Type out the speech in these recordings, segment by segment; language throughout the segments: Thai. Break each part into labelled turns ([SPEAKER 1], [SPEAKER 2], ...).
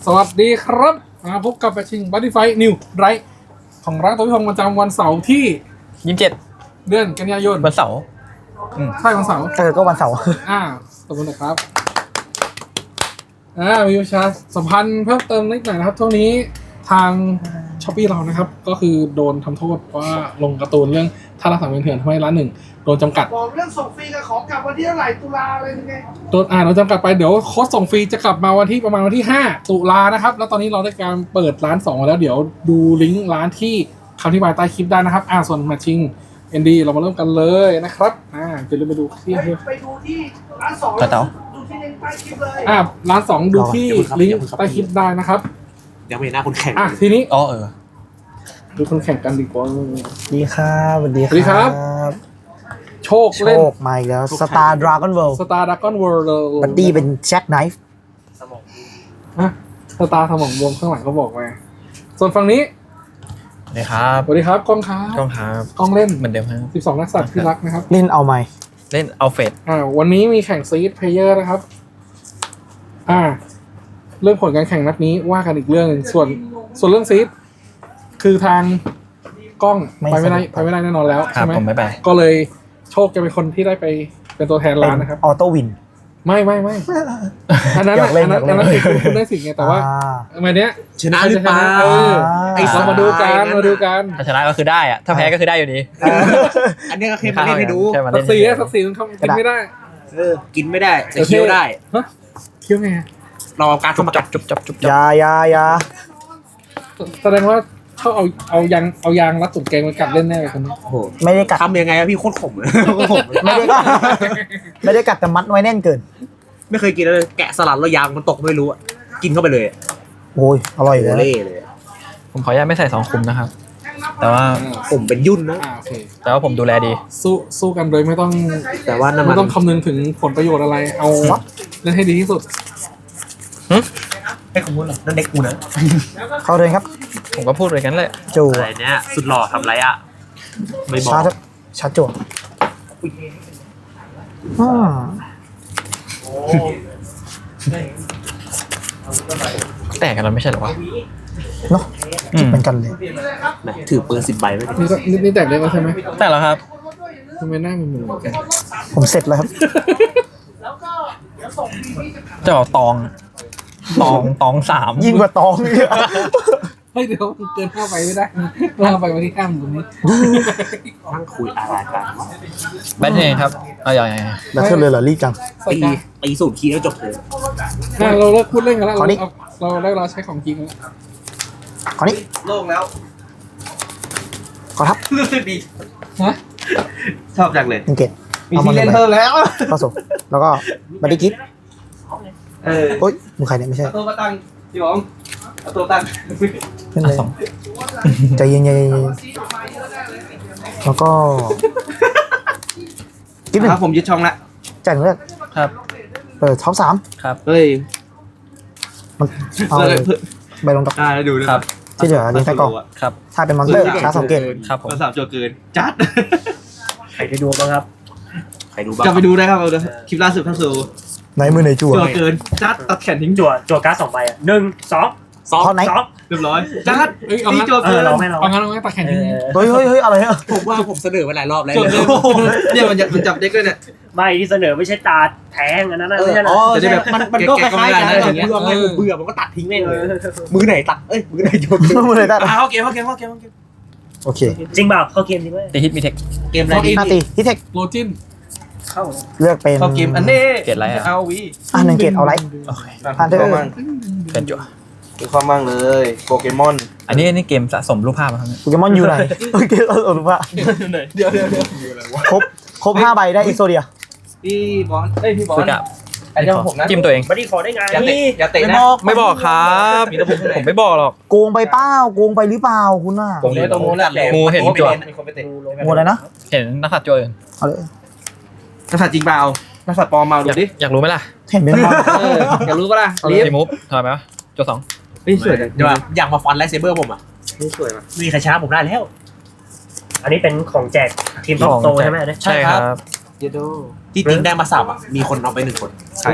[SPEAKER 1] สวัสดีครับมาพบกับแบทชิงบัตตี้ไฟนิวไรของร้านตัวพิพงศ์ประจำวันเสาร์ที่
[SPEAKER 2] 27
[SPEAKER 1] เดือนกันยายน
[SPEAKER 2] วันเสาร์
[SPEAKER 1] ใช่วันเสาร์
[SPEAKER 3] ก็วันเสาร์
[SPEAKER 1] ขอบคุณนะครับมีวิชาสัมพันธ์เพิ่มเติมนิดหน่อยนะครับช่วงนี้ทางช้อปปี้เรานะครับ ก็คือโดนทำโทษว่าลงการ์ตูนเรื่องท่ารักษาเงินเถื่อนทำให้ร้านหนึ่งโดนจำกัด
[SPEAKER 4] บอกเรื่องส่งฟรีกับของกลับวันที่เท่าไหร่ตุลาอะไรยังไง
[SPEAKER 1] โดนจำกัดไปเดี๋ยวโค้ดส่งฟรีจะกลับมาประมาณวันที่ 5 ตุลานะครับแล้วตอนนี้เราได้การเปิดร้าน2มาแล้วเดี๋ยวดูลิงก์ร้านที่คำที่บายใต้คลิปได้นะครับส่วนแมทชิ่งND เรามาเริ่มกันเลยนะครับจะลืมไปดูที่
[SPEAKER 4] ไปดูที่ร้านสอง
[SPEAKER 2] กระเต๋า
[SPEAKER 4] ดูที่ลิงก์ใต้คลิปเลย
[SPEAKER 1] ร้าน2ดูที่ลิงก์ใต้คลิปได้นะครับ
[SPEAKER 5] ยังไม่เห็นหน้าคนแข่ง
[SPEAKER 1] ทีนี้
[SPEAKER 2] อ๋อ
[SPEAKER 1] ดูคนแข่งกันดีกว่า
[SPEAKER 3] ดีครับสวัสดี
[SPEAKER 1] สวัสดีครับ โชค
[SPEAKER 3] โช
[SPEAKER 1] เล่น
[SPEAKER 3] คมาอีกแล้วสตาร์ดราก้อนเวิลด์
[SPEAKER 1] สตาร์ดักกอนเวิร์ล
[SPEAKER 3] บัดดี้เป็นแจ็คไนฟ์
[SPEAKER 1] สตาร์สมองบวมข้างหลังเขาบอกมาส่วนฝั่งนี้
[SPEAKER 2] นะครับ
[SPEAKER 1] สวัสดีครับกล้องครับ
[SPEAKER 2] กล้องครับ
[SPEAKER 1] กล้องเล่น
[SPEAKER 2] เหมือนเดิมครับ
[SPEAKER 1] 12 นักสัตว์ที่รักนะครับ
[SPEAKER 3] เล่นเอาไหม
[SPEAKER 2] เล่นอัลเฟด
[SPEAKER 1] วันนี้มีแข่งซีดเพลเยอร์นะครับ เรื่องผลการแข่งนัดนี้ว่ากันอีกเรื่องหนึ่งส่วนเรื่องซีดคือทางกล้องไปไม่ได้แน่นอนแล้ว
[SPEAKER 2] ครั
[SPEAKER 1] ใช่
[SPEAKER 2] บ
[SPEAKER 1] ไหม
[SPEAKER 2] ผมไม่ไป
[SPEAKER 1] ก็เลยโชคจะเป็นคนที่ได้ไปเป็นตัวแทน
[SPEAKER 3] เป็น
[SPEAKER 1] ร้านนะครับ
[SPEAKER 3] ออโต้วิน
[SPEAKER 1] ไม่อันนั้น
[SPEAKER 3] อยากเล่น
[SPEAKER 1] อันนั้นคือคุณได้สิ่งไงแต่ว่าวันเนี้ย
[SPEAKER 5] ชนะหรือเปล่า
[SPEAKER 1] ไอ้เรามาดูกัน
[SPEAKER 2] ถ้าชนะก็คือได้อะถ้าแพ้ก็คือได้อยู่ดี
[SPEAKER 5] อันนี้ก็แค่มาเล่นให้ดู
[SPEAKER 2] แค่มา
[SPEAKER 1] สั
[SPEAKER 2] เล่
[SPEAKER 1] ก
[SPEAKER 2] น
[SPEAKER 1] สี่มันกินไม่ได้
[SPEAKER 5] กินไม่ได้แต่เคี้ยวได้
[SPEAKER 1] ฮะเคี้ยวไง
[SPEAKER 5] รอการเข้ามากัด
[SPEAKER 2] จุบจับ
[SPEAKER 3] ยา
[SPEAKER 1] แสดงว่าเขาเอายางรัดตุ่มแกงไปกัดเล่นแน่เลยคนนี้
[SPEAKER 5] โอ้โห
[SPEAKER 3] ไม่ได้กัด
[SPEAKER 5] ทำยังไงอะพี่โคตรขมเลย
[SPEAKER 3] ไม่ได้กัดไม่ได้กัดแต่มัดไว้แน่นเกิน
[SPEAKER 5] ไม่เคยกินเลยแกะสลัดแล้วยางมันตกไม่รู้อะกินเข้าไปเลย
[SPEAKER 3] โอ้ยอร่อย
[SPEAKER 5] โอ
[SPEAKER 3] เลย
[SPEAKER 5] เล่เลย
[SPEAKER 2] ผมขออนุญาตไม่ใส่2 คุมนะครับ แต่ว่า
[SPEAKER 5] ผมเป็นยุ่นนะ
[SPEAKER 1] โอเค
[SPEAKER 2] แต่ว่าผมดูแลดี
[SPEAKER 1] สู้กันโดยไม่ต้อง
[SPEAKER 5] แต่ว่าน้ำมั
[SPEAKER 1] ไม่
[SPEAKER 5] น
[SPEAKER 1] ต้องคำนึงถึงผลประโยชน์อะไรเอาเล่นให้ดีที่สุด
[SPEAKER 5] ให้ขโมยหรอนั่นเด็กกูนะ
[SPEAKER 3] เข้าเลยครับ
[SPEAKER 2] ผมก็พูดไปกันเลย
[SPEAKER 3] จั่ว
[SPEAKER 5] อะไรเนี่ยสุดหล่อทำไรอะไม่บอก
[SPEAKER 3] ชาร์จจั่วอ่า
[SPEAKER 2] แตกกันแล้วไม่ใช่เหรอวะ
[SPEAKER 3] เนาะคิดเหมือนกันเลย
[SPEAKER 5] ไหนถือปืน10 ใบไหม
[SPEAKER 1] นี่แตกได้แล้วใช่ไหม
[SPEAKER 2] แตกแล้วครับ
[SPEAKER 1] ทำไมหน้ามันเหมือนกัน
[SPEAKER 3] ผมเสร็จแล้วครับ
[SPEAKER 2] จะบอกตอง3
[SPEAKER 3] ยิ่งกว่าตองอีกอะ
[SPEAKER 1] เฮ้ยเดี๋ยวเกิน5 ใบไม่ได้5 ใบวันที่5ตรงนี้
[SPEAKER 5] นั่งคุยอะไรกันวะ
[SPEAKER 2] แบทเองครับเอาอย่าง
[SPEAKER 3] แล้วเธอเลยเหรอรีบจัง
[SPEAKER 5] ตีสูตรคีย์แล้วจบเลย
[SPEAKER 1] เราเลิกพูดเล่นกันแล้ว
[SPEAKER 3] ขอนี่
[SPEAKER 1] เราได้เราใช้ของจริงแล้ว
[SPEAKER 3] ขอนี้
[SPEAKER 5] โล่งแล้ว
[SPEAKER 3] ขอทับ
[SPEAKER 5] รู้สึกดี
[SPEAKER 1] ฮะ
[SPEAKER 5] ชอบจังเลย
[SPEAKER 3] หนึ่งเกต
[SPEAKER 5] มีที่เล่นเพิ่มแล้ว
[SPEAKER 3] เข้าส่งแล้วก็บัดดี้คิด
[SPEAKER 5] เออ
[SPEAKER 3] โอ้ยมึงใครเนี่ยไม่ใช่
[SPEAKER 5] เอาตัวมาตั้งพี่บองเอาตัวตั้ง
[SPEAKER 3] ขึ้นเลย
[SPEAKER 2] สอง
[SPEAKER 3] ใจเย็นแล้วก็กิ๊บหนึ่ง
[SPEAKER 5] ครับผมยึดช่องละ
[SPEAKER 3] จ่ายเลือก
[SPEAKER 2] ครับ
[SPEAKER 3] เปิดท็อป3
[SPEAKER 2] ครับ
[SPEAKER 5] เฮ้ย
[SPEAKER 3] มันเอาเลยใบลงตอก
[SPEAKER 5] ได้ดูนะครับ
[SPEAKER 3] ที่เหลือเลี้ยงใต้กล่อง
[SPEAKER 2] ครับ
[SPEAKER 3] ถ้าเป็นมอนสเตอร์ชาร์จ2 เกต
[SPEAKER 2] ครับผม
[SPEAKER 5] ภาษาโจเกินจัด
[SPEAKER 6] ใครได้ดูบ้างครับ
[SPEAKER 5] ใครดูบ้างกลับไปดูได้ครับเอาดูคลิปล่าสุดเข้าสู่
[SPEAKER 3] ในมือในจั่ว
[SPEAKER 5] โจเกินจัดตัดแขนทิ้ง
[SPEAKER 6] จั่วการ์ด2 ใบอ่ะ1 2
[SPEAKER 5] สอง
[SPEAKER 3] เพราะไหน
[SPEAKER 5] เรียบร้อยจัด
[SPEAKER 1] เอา
[SPEAKER 5] นี่
[SPEAKER 1] งั้น
[SPEAKER 5] โจเกิน
[SPEAKER 6] เราไม่เรา
[SPEAKER 1] เอางั้นตาแข็งทิ้ง
[SPEAKER 3] เฮ้ยอะไรอะ
[SPEAKER 5] ผมว่าผมเสนอมาหลายรอบแล้ว
[SPEAKER 1] โจเกิน
[SPEAKER 5] เนี่ยมันจับเด็กเลยเนี่ย
[SPEAKER 6] ไม่ที่เสนอไม่ใช่ตาแทงอันนั้นนะไม่ใช่นะ
[SPEAKER 5] แต่จะแบบมันก็คล้ายๆกันอย่างเงี้ยผมเบื่อมันก็ตัดทิ้งแม่งเลยมือไหนตัดมือไหนโจเกิน
[SPEAKER 3] มือเลยได้
[SPEAKER 5] เข้าเกม
[SPEAKER 3] โอเค
[SPEAKER 6] จริงเปล่าเข้าเกมจริงไหม
[SPEAKER 2] ตีฮิตมีเทค
[SPEAKER 5] เกมอะไรดี
[SPEAKER 3] หน้าตีที่เทค
[SPEAKER 1] โรจิน
[SPEAKER 6] เข้า
[SPEAKER 3] เลือกเป็น
[SPEAKER 5] เข้าเกมอันนี้
[SPEAKER 2] เกตไรอะ
[SPEAKER 5] เอาวี
[SPEAKER 3] หนึ่งเกตเอาไร
[SPEAKER 2] โอเค
[SPEAKER 3] ผ่านเถอะ
[SPEAKER 2] เป็นจั่ว
[SPEAKER 5] มีความบ้างเลยโปเกมอน
[SPEAKER 2] อันนี้เกมสะสมรูปภาพครับเนี่ย
[SPEAKER 3] โปเกมอนอยู่ไหนเกตเอาหรือว่า
[SPEAKER 5] เดี๋ยว
[SPEAKER 3] ครบ5 ใบได้อิโซเดีย
[SPEAKER 5] พี่บอลพี่บอล
[SPEAKER 2] คือกับ
[SPEAKER 5] ไอ้เจ้าผมนะ
[SPEAKER 2] จิ้มตัวเอง
[SPEAKER 6] บัดดี้ขอได้ไง
[SPEAKER 5] อย่าเตะนะ
[SPEAKER 2] ไม่บอกครับผมไม่บอกหรอก
[SPEAKER 3] โกงไปเปล่าโกงไปหรือเปล่าคุณน่ะ
[SPEAKER 5] ผมเลยตรงนู้นแหละ
[SPEAKER 2] งูเห็นจั่ว
[SPEAKER 5] มีคนไปเตะ
[SPEAKER 3] หมดเลยนะ
[SPEAKER 2] เห็นนักขัดจั่วอื่น
[SPEAKER 3] เอาเลย
[SPEAKER 5] นักสัตว์จริงเปล่านักสัตว์ปลอมมาดูดิ
[SPEAKER 2] อยากรู้ไหมล่ะ
[SPEAKER 3] เห็นเป็นมอน
[SPEAKER 5] อยากรู้ปะล่ะ
[SPEAKER 2] รีมูฟทำไมวะจั่ว2
[SPEAKER 5] นี่สวยเดี๋ยวอยากมาฟันไลท์เซเบอร์ผมอ่ะนี่สวยมั้ย
[SPEAKER 6] มีใครชนะผมได้แล้ว อันนี้เป็นของแจกทีมท็อปโตใช่ไหมเนี่ย
[SPEAKER 2] ใช่ครับ
[SPEAKER 5] เยโดที่จริงได้มาสับอ่ะมีคนเอาไป1 คนใครอ่ะ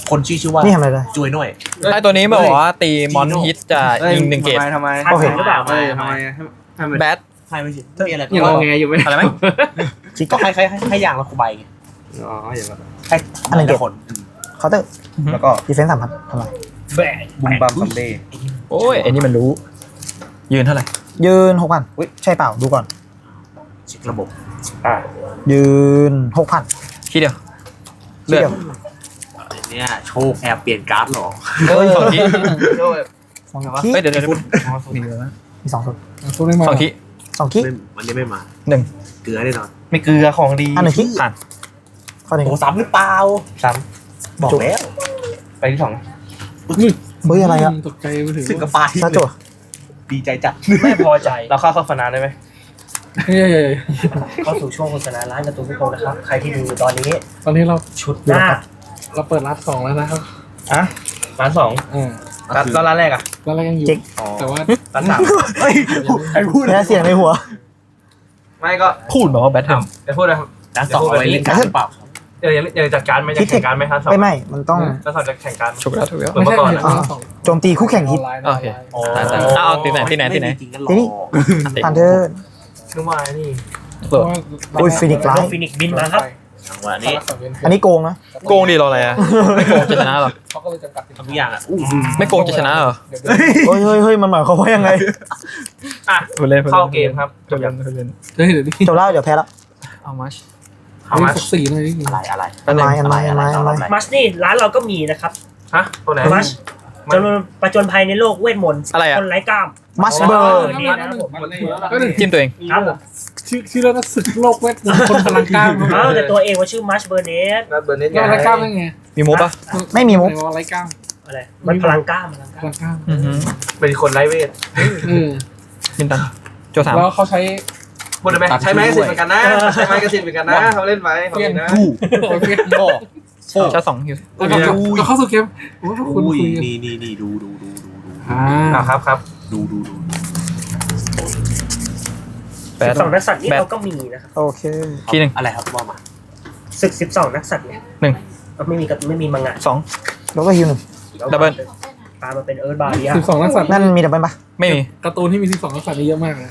[SPEAKER 5] คนชื่อว่า
[SPEAKER 3] นี่ทำอะไรได้
[SPEAKER 5] จวยหน่อย
[SPEAKER 2] ไอตัวนี้บอกว่าตีมอนฮิตจะยิง1 เกต
[SPEAKER 7] ทำไม
[SPEAKER 3] โอเค
[SPEAKER 6] หรือเปล่า
[SPEAKER 7] ทำไมทำไม
[SPEAKER 2] แบท
[SPEAKER 5] ใครไม่ใช่มีอะไร
[SPEAKER 7] ยังงอแงอยู่ไหม
[SPEAKER 2] อะไรไหม
[SPEAKER 3] ชิก
[SPEAKER 5] ก็ให้อย่างละคูใบไง
[SPEAKER 7] อ๋ออย่างนั้น
[SPEAKER 5] ให้
[SPEAKER 3] อันหนึ่งเก็บ
[SPEAKER 5] คน
[SPEAKER 3] เคาน์เตอร์
[SPEAKER 7] แล้วก็
[SPEAKER 3] ดีเฟนส์3,000ทำไม
[SPEAKER 6] แบะ
[SPEAKER 7] บุมบัมซัมเดย์
[SPEAKER 2] โอ้ยไอ้นี่มันรู้ ยืนเท่าไหร่
[SPEAKER 3] ยืน 6,000อุ้ยใช่เปล่าดูก่อน
[SPEAKER 5] เช็คระบบ
[SPEAKER 3] ยืน 6,000
[SPEAKER 2] ทีเดียว
[SPEAKER 3] เลือก
[SPEAKER 5] เนี่ยโชคแอบเปลี่ยนการ์ดหรอ
[SPEAKER 2] 2 ที
[SPEAKER 3] 2 ขี้
[SPEAKER 2] เฮ้ยเดี๋ยวมี
[SPEAKER 3] มี2
[SPEAKER 1] สู้ได้มา
[SPEAKER 2] 2 ที
[SPEAKER 3] 2ขี้
[SPEAKER 5] วันนี้ไม่มา
[SPEAKER 2] 1
[SPEAKER 5] เกลือแน่นอน
[SPEAKER 7] ไม่เกลือของดี
[SPEAKER 3] อันหนึ่งขี้
[SPEAKER 2] ผ่าน
[SPEAKER 3] ข้อหนึ่ง
[SPEAKER 5] โอ้ซ้ำหรือเปล่า
[SPEAKER 7] ซ้
[SPEAKER 5] บอกแล้ว
[SPEAKER 7] ำไปที่ 2
[SPEAKER 3] เฮ้ยอะไรอะ
[SPEAKER 1] ตกใจไปถึง
[SPEAKER 5] สึกกับปลาที่
[SPEAKER 3] ซาโจ
[SPEAKER 5] ดีใจจัด
[SPEAKER 6] ไม่พอใจ
[SPEAKER 7] เราเข้าโฆษณาได้ไหม
[SPEAKER 1] เฮ้ย
[SPEAKER 6] เข้าสู่ช่วงโฆษณาร้านการ์ตูนพี่พงศ์นะครับ ใครที่ดูอยู่ตอนนี้
[SPEAKER 1] ตอนนี้เรา
[SPEAKER 6] ชุดหน้า
[SPEAKER 1] เราเปิดร้าน2แล้วนะครับ
[SPEAKER 7] อ่ะร้าน 2
[SPEAKER 1] อ่า
[SPEAKER 7] แล้วร้านแรกอ่ะ
[SPEAKER 1] ร้านแรกยังอยู่
[SPEAKER 7] อ๋อ
[SPEAKER 1] แต่ว่า
[SPEAKER 7] ร้าน 3
[SPEAKER 5] เฮ้ยใครพูด
[SPEAKER 3] แค่เสียงในหัว
[SPEAKER 7] ไม่ก็
[SPEAKER 2] พูดแบบว่าแบทเทิล
[SPEAKER 7] จะพูดนะครับ
[SPEAKER 5] ร้านสองเอาไว้เล่นการ์ดหรือเปล่า
[SPEAKER 7] ยังจัดการไหมจะแข่งการไหมครับ
[SPEAKER 3] ไม่มันต้อง
[SPEAKER 7] ร้าน2จะแข่งการ
[SPEAKER 2] ถูกแล้วถูกแล้ว
[SPEAKER 1] ไม่ใช่
[SPEAKER 7] เมื่อก่อน
[SPEAKER 1] เห็น
[SPEAKER 7] อะ
[SPEAKER 1] ร้านสอง
[SPEAKER 3] โจมตีคู่แข่งฮิต
[SPEAKER 2] โอเคตายเอาตีไหน
[SPEAKER 5] ไม่มีจริงกันหรอ
[SPEAKER 3] ทีนี้ พันเทอร์
[SPEAKER 7] นึกว่านี่
[SPEAKER 1] เพราะว่า
[SPEAKER 3] อุ้ยฟินิกซ์ไล
[SPEAKER 6] โดน
[SPEAKER 3] ท์
[SPEAKER 6] ฟินิกซ์บินมาครับ
[SPEAKER 5] จังหวะนี้
[SPEAKER 3] อันนี้โกงนะ
[SPEAKER 2] โกงดีรออะไรอ่ะไม่โกงจะชนะหรอ
[SPEAKER 1] เขาก็เลยจำกัด
[SPEAKER 5] ทำทุกอย่างอ่ะ
[SPEAKER 2] ไม่โกงจะชนะหรอ
[SPEAKER 3] เฮ้ยมันหมายความว่ายังไง
[SPEAKER 2] พูดเล่น
[SPEAKER 7] เข้าเกมครับจบยัง
[SPEAKER 2] พูดเล่น
[SPEAKER 1] เฮ้ยเดี๋ยวนี้
[SPEAKER 3] จบแล้วเดี๋ยวแพ้แล้ว
[SPEAKER 2] เอามาช
[SPEAKER 7] เอามา
[SPEAKER 1] สัก4หน่อยดิ
[SPEAKER 5] อะไร
[SPEAKER 3] อันไม้อันไม้อันไม้อันไม้
[SPEAKER 6] มัชนี่ร้านเราก็มีนะครับ
[SPEAKER 7] ฮะตัวไหน
[SPEAKER 6] มัชจนประจนภัยในโลกเวทมนต์
[SPEAKER 2] อะไรอ่ะ
[SPEAKER 6] คนไร้กล้าม
[SPEAKER 3] มัชเบอร์
[SPEAKER 6] นี่นะครับผม
[SPEAKER 1] ก็หนึ่ง
[SPEAKER 2] จิ้มตัวเอง
[SPEAKER 6] ครับผม
[SPEAKER 1] ชื่อเรื่องว่าศึกโลกเวทมนต์คนพลังกล้าม
[SPEAKER 6] อ้าวแต่ตัวเองว่าชื่อมัชเบอร์เนส
[SPEAKER 7] นัดเบอร์เน็ต
[SPEAKER 1] เราไร้กล้ามได้ไง
[SPEAKER 2] มีมูฟป่ะ
[SPEAKER 3] ไม่มีมุก
[SPEAKER 1] ไร้กล้าม
[SPEAKER 6] อะไรมันพลังกล้าม
[SPEAKER 1] พลังกล้าม
[SPEAKER 7] เป็นคนไร้เวท
[SPEAKER 2] ยินตันโจสาม
[SPEAKER 1] แล้วเขาใช้
[SPEAKER 7] พูดได้ไหมใช้ไม้กระสินเหมือนกันนะใช้ไม้กระสินเหมือนกันนะเขาเล่นไว้เขาเล่นนะ
[SPEAKER 1] เวท
[SPEAKER 5] โอ้
[SPEAKER 2] เจ้า2ฮิว
[SPEAKER 1] แล้วเข้าสู่เกมโอ้คุณ
[SPEAKER 5] อุ้ย
[SPEAKER 1] คุย
[SPEAKER 5] นี่ดู
[SPEAKER 1] อ่า
[SPEAKER 7] ครับ
[SPEAKER 5] ดู
[SPEAKER 2] แบท
[SPEAKER 6] 12 นักสัตว์นี่เราก็มีนะครับ
[SPEAKER 3] โอเค
[SPEAKER 2] ทีหนึ่ง
[SPEAKER 5] อะไรครับว่ามา
[SPEAKER 6] ศึก 12 นักสัตว์เนี่ย
[SPEAKER 2] หนึ่ง
[SPEAKER 6] ไม่มีมังงะ
[SPEAKER 2] 2
[SPEAKER 3] แล้วก็ฮิวหนึ่ง
[SPEAKER 2] ดับเบิล
[SPEAKER 6] ตามมาเป็นเอิร์ธบาร์ดี
[SPEAKER 1] 12นักสัตว์
[SPEAKER 3] นั่นมีดับเบิลปะ
[SPEAKER 2] ไม่มี
[SPEAKER 1] การ์ตูนที่มี12นักสัตว์นี่เยอะมากนะ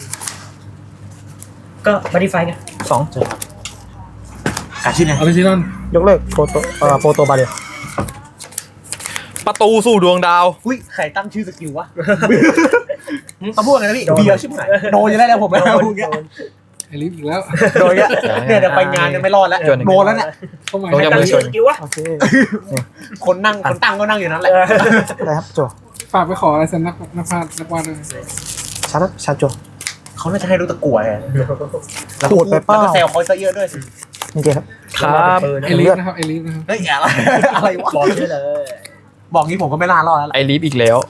[SPEAKER 6] ก็บัดดี้ไฟไง
[SPEAKER 2] 2
[SPEAKER 5] การชื่อไง
[SPEAKER 1] ออริจินอล
[SPEAKER 3] ยกเลิกโปโตบาเดีย
[SPEAKER 2] ประตูสู่ดวงดาว
[SPEAKER 5] อุ้ยใครตั้งชื่อสกิลวะเขาพูดอะไรนะพี่เบียร์ชิบหายโดนจะได้แล้วผมแล้วพวกเงี้ย
[SPEAKER 1] ไอริฟอีกแล้ว
[SPEAKER 5] โดนเงี้ยเนี่ยเดี๋ยวไปงานยังไม่รอดแล้วโดนแล้วเนี่ย
[SPEAKER 1] เข้ามา
[SPEAKER 2] โดน
[SPEAKER 6] ใคร
[SPEAKER 2] ยัง
[SPEAKER 6] ตั้
[SPEAKER 2] ไม่
[SPEAKER 6] ง
[SPEAKER 2] ได้
[SPEAKER 6] ชื่อสกิลวะ
[SPEAKER 3] โอเค
[SPEAKER 5] คนตั้งก็นั่งอยู่นั้นแหละ
[SPEAKER 3] ได้ครับโจ
[SPEAKER 1] ฝากไปขออะไรเซ็นนักพากย์นักวาดด้วย
[SPEAKER 3] ชาร์จโจ
[SPEAKER 5] เขาน่าจะให้รู้ตะกั่วไง
[SPEAKER 3] โหดไปเปล่า
[SPEAKER 5] แล้วก็แซวเขาซะเยอะด้วย
[SPEAKER 3] นี่เจครับ
[SPEAKER 2] ครับ
[SPEAKER 1] ไอริฟนะครับไอริฟนะครับ
[SPEAKER 5] เฮ้ยอะไรวะ
[SPEAKER 6] บอกชื่อเลย
[SPEAKER 5] บอกงี้ผมก็ไม่น่ารอดแล้ว
[SPEAKER 2] ไอลีฟอีกแล้ว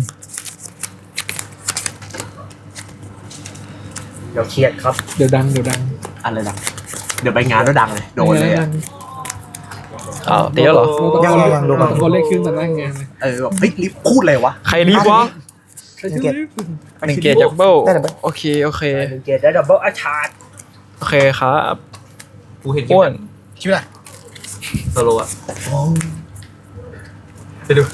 [SPEAKER 6] เดี๋ยวเครียดครับ
[SPEAKER 1] เดี๋ยวดัง
[SPEAKER 5] อะไรดังเดี๋ยวไปงานแล้วดังเลยโดนเลย
[SPEAKER 2] อ้าวตีแล้วเหรอ
[SPEAKER 3] ยังดู
[SPEAKER 1] เรา
[SPEAKER 3] ก่อน
[SPEAKER 1] ตะโกนเรียกชื่อแต่หน้างานเลย
[SPEAKER 5] แบบเฮ้ยรีบพูดเลยวะ
[SPEAKER 2] ใครรีบวะ
[SPEAKER 1] ใครชื่อริฟ
[SPEAKER 2] หนึ่งเกตจากเบิลโอเค
[SPEAKER 6] หนึ่งเกตได้ดับเบิลอาชาร์ด
[SPEAKER 2] โอเคครับ
[SPEAKER 7] กูเห็น
[SPEAKER 2] อ้วน
[SPEAKER 5] ชื่ออะไร
[SPEAKER 7] โซโลอะไปดู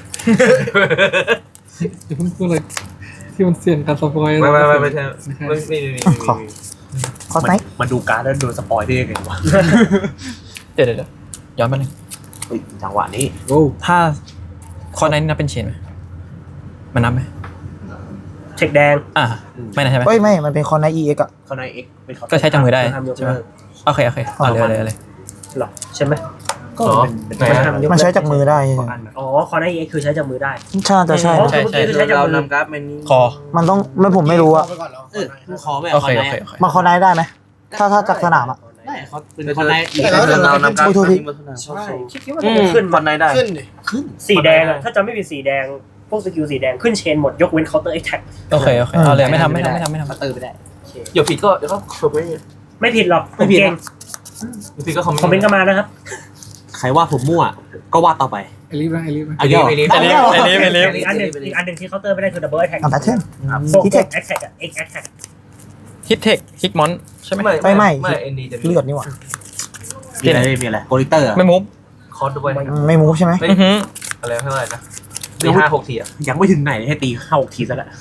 [SPEAKER 1] อย่าเพิ่งพูดเลยที่มันเสี่ยงการสปอย
[SPEAKER 7] ไม่ใช่ไม่มี
[SPEAKER 3] คอสไนท์
[SPEAKER 5] มาดูการ์ดแล้วโดนสปอยได้ยังไงวะ
[SPEAKER 2] เดี๋ยวย้อนมาหนึ่ง
[SPEAKER 5] เฮ้ยจังหวะนี้
[SPEAKER 1] โอ้
[SPEAKER 2] ถ้าคอร์นนี้นับเป็นเชนไหมมันนับไหม
[SPEAKER 6] เช็คแดง
[SPEAKER 2] ไม่นะใช่ไหม
[SPEAKER 3] เฮ้ยไม่มันเป็นคอนไนท์ EX อ่ะ
[SPEAKER 5] เขาในเอ็กเป็นเขา
[SPEAKER 2] ก็ใช้จังมือได้
[SPEAKER 6] ห้ามยก
[SPEAKER 2] ใช่ไหม
[SPEAKER 6] เลิก
[SPEAKER 2] โอเคเอาเลย
[SPEAKER 6] หรอใช่ไหม
[SPEAKER 5] ก็
[SPEAKER 7] ไหน
[SPEAKER 6] ห้ามยกเลิก
[SPEAKER 3] มันใช้จากมือได้
[SPEAKER 6] อ๋อคอนไอเอ็กคือใช้จากมือได้
[SPEAKER 3] ใช่จะใช่
[SPEAKER 6] อ๋อคือเมื่อกี้คือใช้จากมือ
[SPEAKER 7] นำกราฟเมนนี้
[SPEAKER 2] คอ
[SPEAKER 3] มันต้องไม่ผมไม่รู้อะ
[SPEAKER 5] ขอไม่
[SPEAKER 2] โอ
[SPEAKER 5] เอา
[SPEAKER 2] เค
[SPEAKER 5] เขาใน
[SPEAKER 3] มาคอนไนท์ได้ไหมถ้าจากสนามอะ
[SPEAKER 5] ได้เขาเป็นคนใน
[SPEAKER 7] เรานำกราฟ
[SPEAKER 6] ใช่คิดว่ามันจะขึ้น
[SPEAKER 7] คนไหนได้
[SPEAKER 5] ขึ้น
[SPEAKER 6] สีแดงอะถ้าจะไม่เป็นสีแดงพวกสกิลสีแดงขึ้นเชนหมดยกเว้นเคาน์เตอร์แอคแท็ก
[SPEAKER 2] โอเคเอาเลยไม่ทำ
[SPEAKER 5] มาเติมไปได้
[SPEAKER 7] อย่าผิดก็เดี๋ยวเขาคอมเมนต์
[SPEAKER 6] ไม่ผิดหรอกผมเก่ง
[SPEAKER 7] อย่าผิดก็คอมเมนต์
[SPEAKER 6] คอมเมนต์กันมานะครับ
[SPEAKER 5] ใครว่าผมมั่วก็ว่าต่อไป
[SPEAKER 1] ไอริฟนะไอริฟนะ
[SPEAKER 5] ไอ้เดียว
[SPEAKER 2] ไอลีฟ
[SPEAKER 6] อีกอันหนึ่งที่เคาน์เตอร์ไม่ได้คือดับเบิลแอคแท็ก
[SPEAKER 3] อ่ะแพทเทิร์น
[SPEAKER 6] พวกแอคแท็กอะเอ็กแอคแท็ก
[SPEAKER 2] ฮิตเทคฮิตมอนใช่ไหม
[SPEAKER 7] ไม่เอ็นดีจะ
[SPEAKER 3] เลือดนี่หว่า
[SPEAKER 5] มีอะไรโกลิเตอร์
[SPEAKER 2] ไม่มูฟ
[SPEAKER 7] คอร์สด้วย
[SPEAKER 3] ไม่มูฟใช่ไหม
[SPEAKER 7] เฮ้ยอะไรเท่าไหร่นะตี5-6 ทีอ่ะ
[SPEAKER 5] ยังไม่ถึงไหนให้ตี5-6 ทีซะแล้ว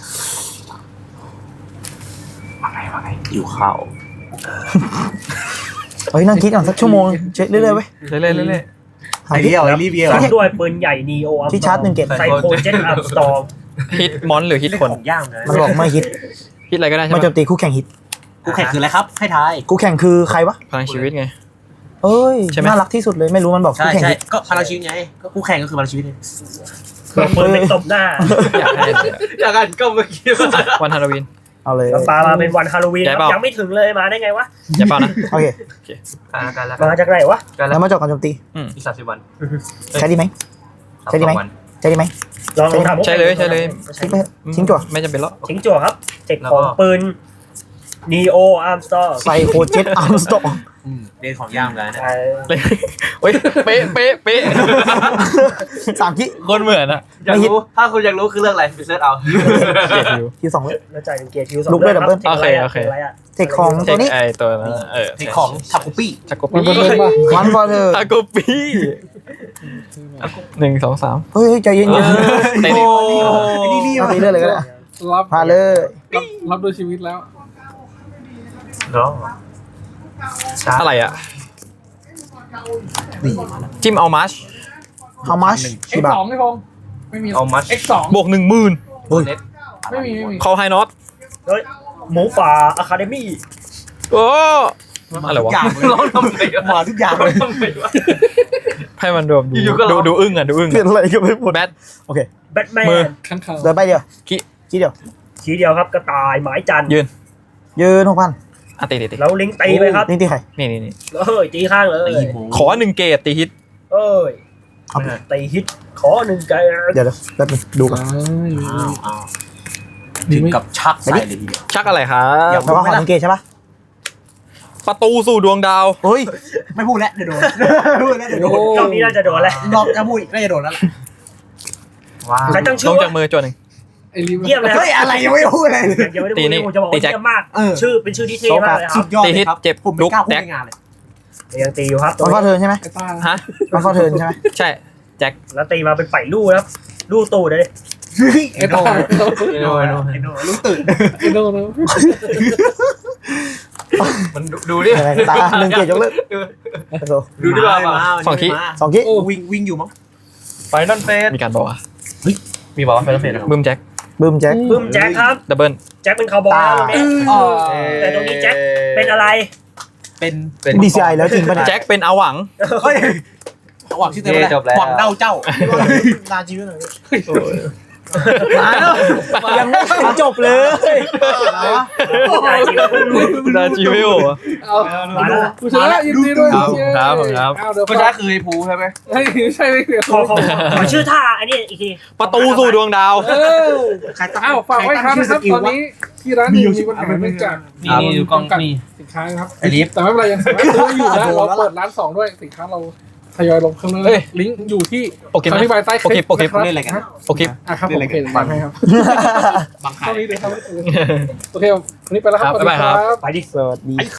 [SPEAKER 5] ว่าไงอยู่ข้าว
[SPEAKER 3] เฮ้ยนั่งคิดก่อนสักชั่วโมงเช็คเรื่อยๆเว้ย
[SPEAKER 2] เรื่อยๆเรื่อย
[SPEAKER 3] หาที่
[SPEAKER 5] รีเบียว
[SPEAKER 6] ซัดด้วยปืนใหญ่นีโออัพ
[SPEAKER 3] ที่ชาร์จ1 เกต
[SPEAKER 6] ไซโคเจ็ตอัพสตอร์
[SPEAKER 2] ๆฮิตมอนหรือฮิตคน
[SPEAKER 6] ของย่างเลย
[SPEAKER 3] มันบอกไม่ฮิต
[SPEAKER 2] ฮิตอะไรก็ได้ใช่
[SPEAKER 3] มัน
[SPEAKER 2] ไหม
[SPEAKER 3] โจมตีคู่แข่งฮิต
[SPEAKER 5] กูแข่งคืออะไรครับให้ทาย
[SPEAKER 3] คู่แข่งคือใครวะ
[SPEAKER 2] พลังชีวิตไง
[SPEAKER 3] เอ้ย
[SPEAKER 2] ใช่ไหม
[SPEAKER 3] น่ารักที่สุดเลยไม่รู้มันบอก
[SPEAKER 5] ใช่
[SPEAKER 3] คู่แข่ง
[SPEAKER 5] ใช่
[SPEAKER 3] ฮิต
[SPEAKER 5] ก็พลังชีวิตไงก็กูแข่งก็คือพลังชีวิตไง
[SPEAKER 6] ปืนเป็นตบหน้า
[SPEAKER 2] อยากให้เลยอะ
[SPEAKER 7] อยากอ่านก็เมื่อกี้
[SPEAKER 2] วันฮาโลวีน
[SPEAKER 3] เอาเลย
[SPEAKER 6] แล้วปลามาเป็นวันฮาโลวีน
[SPEAKER 2] ย้ายเปล่ายั
[SPEAKER 6] ยังไม่ถึงเลยมาได้ไงวะ
[SPEAKER 2] อย่าเปล่านะ
[SPEAKER 3] โอเค
[SPEAKER 7] กันแล้ว
[SPEAKER 6] มาจากไหนวะ
[SPEAKER 7] กันแล้
[SPEAKER 3] แล้ว วมาจบการโจมตี
[SPEAKER 7] อีก30 วัน
[SPEAKER 3] ใช้ดีไหม ใช่ดีไหม
[SPEAKER 7] 2 วัน
[SPEAKER 3] ใช้ดีไหม
[SPEAKER 6] ลองทำ
[SPEAKER 2] ใช่เลยใช่เลย
[SPEAKER 3] ทิ้งไปเถอะทิ้งจั่ว
[SPEAKER 2] ไม่จำเป็นแล้ว
[SPEAKER 6] ทิ้งจั่วครับเจ็กของปืนนีโออาร์มสตอร์
[SPEAKER 3] ไซโคเจ็ตอาร์มสตอร์
[SPEAKER 5] เรียนของย่ามกันนะ
[SPEAKER 2] เฮ้ยเป๊ะเป๊ะเป๊ะ
[SPEAKER 3] 3 คิ
[SPEAKER 2] คนเหมือนอะ
[SPEAKER 7] อยากรู้ถ้าคุณอยากรู้คือเรื่องอะไรไปเสิร์ชเอา
[SPEAKER 2] เกียรติอยู่
[SPEAKER 3] คิว2เลย
[SPEAKER 6] แล้วจ่ายเป็นเกียร์คิวสอง
[SPEAKER 3] ลุกด้วยดับเบิ้ล
[SPEAKER 2] โอเคโอเค
[SPEAKER 3] เทคของตัวนี้
[SPEAKER 2] ไอตัวนั้นเออ
[SPEAKER 5] เทคของทับกูปี้
[SPEAKER 2] ชักกุ
[SPEAKER 1] มัน
[SPEAKER 2] ปี้
[SPEAKER 1] เป็นป่ะ
[SPEAKER 3] วันฟอร์เธอ
[SPEAKER 2] ชักกุปี้1 2 3
[SPEAKER 3] เฮ้ยใจเย็น
[SPEAKER 2] เตะ
[SPEAKER 3] ๆเอาตีเรื่อยเลยก็ได้
[SPEAKER 1] รับ
[SPEAKER 3] พาเลย
[SPEAKER 1] รับด้วยชีวิตแล้ว
[SPEAKER 5] เนาะ
[SPEAKER 2] อะไรอะจิ้มเอามัช
[SPEAKER 3] how much กี่บาท
[SPEAKER 1] X2 ไม่พงไม่มีหร
[SPEAKER 7] เอา
[SPEAKER 1] อก
[SPEAKER 7] มัช
[SPEAKER 1] X2
[SPEAKER 2] บวก 10,000
[SPEAKER 3] อุ้ย
[SPEAKER 7] เน็ต
[SPEAKER 1] ไม่มี
[SPEAKER 2] คอไฮนอต
[SPEAKER 6] เฮ้ยหมูป่าอะคาเดมี่
[SPEAKER 2] โอ้อะไรวะ
[SPEAKER 5] อย่าง
[SPEAKER 7] ร้องทำไมวะ
[SPEAKER 5] มาทุกอย่างเลย
[SPEAKER 7] ทำไมวะ
[SPEAKER 2] ให้มันดู
[SPEAKER 7] อยู่ๆก็ร้อง
[SPEAKER 2] ดูอึ้งอะดูอึ้ง
[SPEAKER 3] เปลี่ยนอะไรก็ไม่หมด
[SPEAKER 2] แบท
[SPEAKER 3] โอเค
[SPEAKER 6] แบทแม
[SPEAKER 2] มือ
[SPEAKER 6] น
[SPEAKER 1] ข้างเขา
[SPEAKER 3] เดินไปเดียว
[SPEAKER 2] ขี้
[SPEAKER 3] ทีเดียว
[SPEAKER 6] ทีเดียวครับกระต่ายหมายจันทร์
[SPEAKER 2] ยืน
[SPEAKER 3] ยืน6,000
[SPEAKER 2] อ่ะตีตี
[SPEAKER 6] แล้วลิงก์ตีไปครับ
[SPEAKER 3] นี่ตีใคร
[SPEAKER 2] นี่
[SPEAKER 6] เอ้ยตีข้างเลย
[SPEAKER 2] ขอ1 เกตตีฮิต
[SPEAKER 6] เอ้ย
[SPEAKER 3] เอาไป
[SPEAKER 6] ตีฮิตขอหนึ่งไก่
[SPEAKER 3] เดี๋ยวแป๊บนึงดูก่อน
[SPEAKER 5] ถึงกับชักใส่เลยทีเดียว
[SPEAKER 2] ชักอะไรครับ
[SPEAKER 3] แล้วก็ขอสังเกตใช่ปะ
[SPEAKER 2] ประตูสู่ดวงดาว
[SPEAKER 3] เฮ้ย
[SPEAKER 5] ไม่พูดแล้วเดี๋ยวโดนพูดแล้วเดี๋ยวโดน
[SPEAKER 6] รอบนี้น่าจะโดนแล้ว
[SPEAKER 5] นอกจะพูดอีกน่าจะโดนแล้วล่ะว้า
[SPEAKER 6] ใครตั้ง
[SPEAKER 2] ล
[SPEAKER 6] ชื่อง
[SPEAKER 2] จากมือจวนหนึ่ง
[SPEAKER 1] ไอ้รีบ
[SPEAKER 6] เยี่ยมเลย
[SPEAKER 5] เฮ้ยอะไรยังไม่พูดอะไรเลย
[SPEAKER 6] ยังไม่ได้
[SPEAKER 2] ตี
[SPEAKER 6] พูด
[SPEAKER 2] นี่
[SPEAKER 6] ผมจะบอก
[SPEAKER 2] ตี
[SPEAKER 6] ว่า
[SPEAKER 2] แจ็ค
[SPEAKER 6] เยี่ยมมาก
[SPEAKER 5] เออ
[SPEAKER 6] ชื่อเป็นชื่อที่เท่มากเลยค
[SPEAKER 5] สุ
[SPEAKER 6] รับ
[SPEAKER 5] ดยอด
[SPEAKER 2] ตี
[SPEAKER 5] เล
[SPEAKER 2] ฮิ
[SPEAKER 5] ย
[SPEAKER 2] ต
[SPEAKER 5] ครับ
[SPEAKER 2] เจ็บ
[SPEAKER 5] ผม
[SPEAKER 2] ลุ
[SPEAKER 5] ไม่
[SPEAKER 2] ก
[SPEAKER 5] กล้าพูด
[SPEAKER 2] แดก
[SPEAKER 5] ในงานเลย
[SPEAKER 6] ยังตีอยู่ครับ
[SPEAKER 3] มันฟอเทิร์นใช่ไหม
[SPEAKER 1] ไอ้ตา
[SPEAKER 2] ฮะ
[SPEAKER 3] มันฟอเทิร์นใช่ไหม
[SPEAKER 2] ใช่แจ็ค
[SPEAKER 6] แล้วตีมาเป็นไฝ่ลู่นะครับลู่ตูดเลย
[SPEAKER 1] ไอ้ตา
[SPEAKER 7] ไอ้โน่ไอ้โน่
[SPEAKER 5] ไอ้โน่รู้ตื่น
[SPEAKER 1] ไอ้โน่นะ
[SPEAKER 7] มันดูดิ
[SPEAKER 3] อะไรตา1 เกตยกเลิกโอ้โห
[SPEAKER 7] ดูดิว่า
[SPEAKER 3] 2 คิ
[SPEAKER 5] วิ่งอยู่มั้ง
[SPEAKER 7] ไฟนอลเฟส
[SPEAKER 2] มีการบอกว่า
[SPEAKER 7] มีบอกว่าไฟนอลเฟสนะครับ
[SPEAKER 2] บึ้มแจ็ค
[SPEAKER 3] บึ้มแจ็ค
[SPEAKER 6] บึ้มแจ็คครับ
[SPEAKER 2] ดับเบิล
[SPEAKER 6] แจ็คเป็นคาวบอยนะตรงนี้แต่ตรงนี้แจ็คเป็นอะไร
[SPEAKER 5] เป็น
[SPEAKER 3] DCI แล้วจริงปะเนี่ย
[SPEAKER 2] แจ็คเป็นอาหวัง
[SPEAKER 5] เฮ้ยหวังชื่อเต็มแล้วหวังเดาเจ้านาจีด้วยหน่อย
[SPEAKER 3] ยังไม่ถึงจบเลย
[SPEAKER 2] ดาจิเวลอะ
[SPEAKER 1] เอากูชนะยินดีด้วย
[SPEAKER 2] ครับผมครับ
[SPEAKER 1] เอาเดี๋ยว
[SPEAKER 7] ก็ใช่คือไอ้ภูใช่ไหม
[SPEAKER 1] ให้ใช่ไหมเดี๋ยว
[SPEAKER 6] ขอชื่อท่าอันนี้อีกที
[SPEAKER 2] ประตูสู่ดวงดาว
[SPEAKER 1] เอออ้าวฝากไว้ครับนะครับตอนนี้ที่ร้านมีปัญหาเนื่องจาก
[SPEAKER 7] นี่ดูกล้อง
[SPEAKER 1] กัน
[SPEAKER 7] นี่
[SPEAKER 1] สินค้าครับ
[SPEAKER 7] ไอ้ลิฟต์
[SPEAKER 1] แต่ไม่เป็นไรยังสามารถซื้ออยู่นะเราเปิดร้าน2ด้วยสินค้าเราทยอยลงข้างล่างลิงก์อยู่ที่
[SPEAKER 2] โอเค
[SPEAKER 1] คำอธิบายใต้คลิป
[SPEAKER 2] โอเค
[SPEAKER 1] นะครับ
[SPEAKER 5] เล่นอะไรกัน
[SPEAKER 2] โอเค
[SPEAKER 1] อ่ะครับผมโอเคฟังให้ครับ
[SPEAKER 5] บางขาย
[SPEAKER 1] เท่านี้เลยครับโอเควันนี้ไปแล้วครับ
[SPEAKER 2] ครับบ๊ายบายครับ
[SPEAKER 6] ไปดิ
[SPEAKER 3] สวัสดี